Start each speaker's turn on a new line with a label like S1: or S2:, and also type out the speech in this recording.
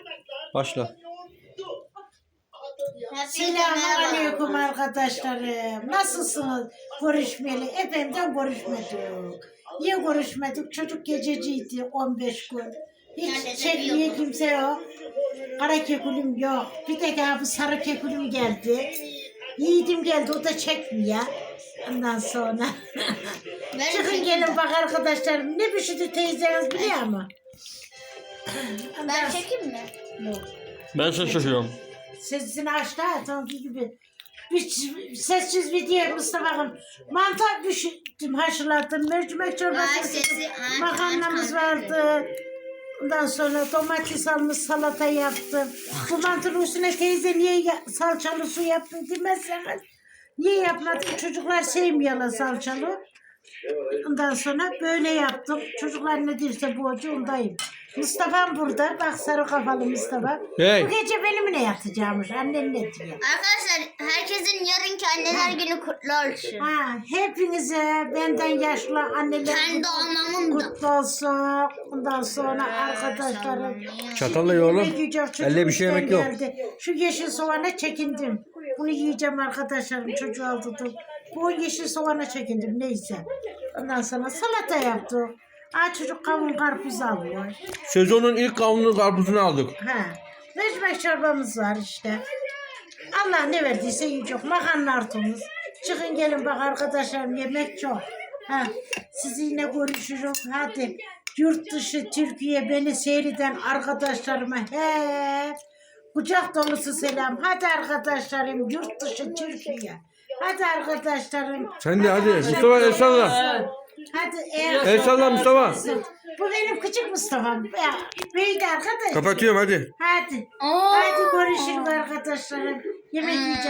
S1: Başla.
S2: Selamünaleyküm arkadaşlarım. Nasılsınız? Görüşmeli. Efendim görüşmedik. Niye görüşmedik? Çocuk gececiydi 15 gün. Hiç çekmeye kimse yok. Kara kekulüm yok. Bir tek abi sarı kekulüm geldi. Yiğidim geldi, o da çekmiyor. Ondan sonra. Çıkın gelin bak arkadaşlarım. Ne pişirdi teyzeniz biliyor mu?
S3: Ben çekeyim mi?
S2: Yok.
S1: Ben şaşırıyorum.
S2: Sesini açtı ha, sanki gibi. Bir sessiz video Mustafa'm. Mantar pişirdim, haşladım. Mercimek çorbası, makarnamız vardı. Ondan sonra domates almış, salata yaptım. Bu mantının üstüne teyze niye salçalı su yaptı demezseniz. Niye yapmadım? Çocuklar sevmiyorlar salçalı. Ondan sonra böyle yaptım. Çocuklar ne derse bu hoca ondayım. Mustafa'm burada. Bak sarı kafalı Mustafa.
S1: Hey.
S2: Bu gece benimle yatacakmış. Annen ne diyor?
S3: Arkadaşlar herkesin yarınki anneler günü kutlu olsun.
S2: Ha, hepinize benden yaşlı anneler
S3: Kendi anamın da.
S2: kutlu olsun. Ondan sonra arkadaşlarım.
S1: Çatalla ye oğlum.
S2: yemek yiyeceğim, çocuğum
S1: Elle bir şey yemek yok.
S2: geldi. Şu yeşil soğana çekindim. Bunu yiyeceğim arkadaşlarım. Çocuğu aldım. Bu yeşil soğana çekindim neyse. Ondan sonra salata yaptık. Aa, çocuk kavun karpuz alıyor.
S1: Sezonun ilk kavunlu karpuzunu aldık.
S2: Ha, mercimek çorbamız var işte. Allah ne verdiyse yiyecek. Makarna artımız. Çıkın gelin bak arkadaşlarım, yemek çok. Ha, sizinle görüşürüz. Hadi yurt dışı Türkiye beni seyreden arkadaşlarıma kucak dolusu selam. Hadi arkadaşlarım, yurt dışı Türkiye. Hadi arkadaşlarım.
S1: Sen de hadi. Mustafa el salla.
S2: Hadi
S1: El salla Mustafa.
S2: Bu benim küçük Mustafa'm. Ya, büyüdü arkadaş.
S1: Kapatıyorum hadi.
S2: Hadi. Hadi görüşürüz arkadaşlarım. Yemek yiyeceğiz.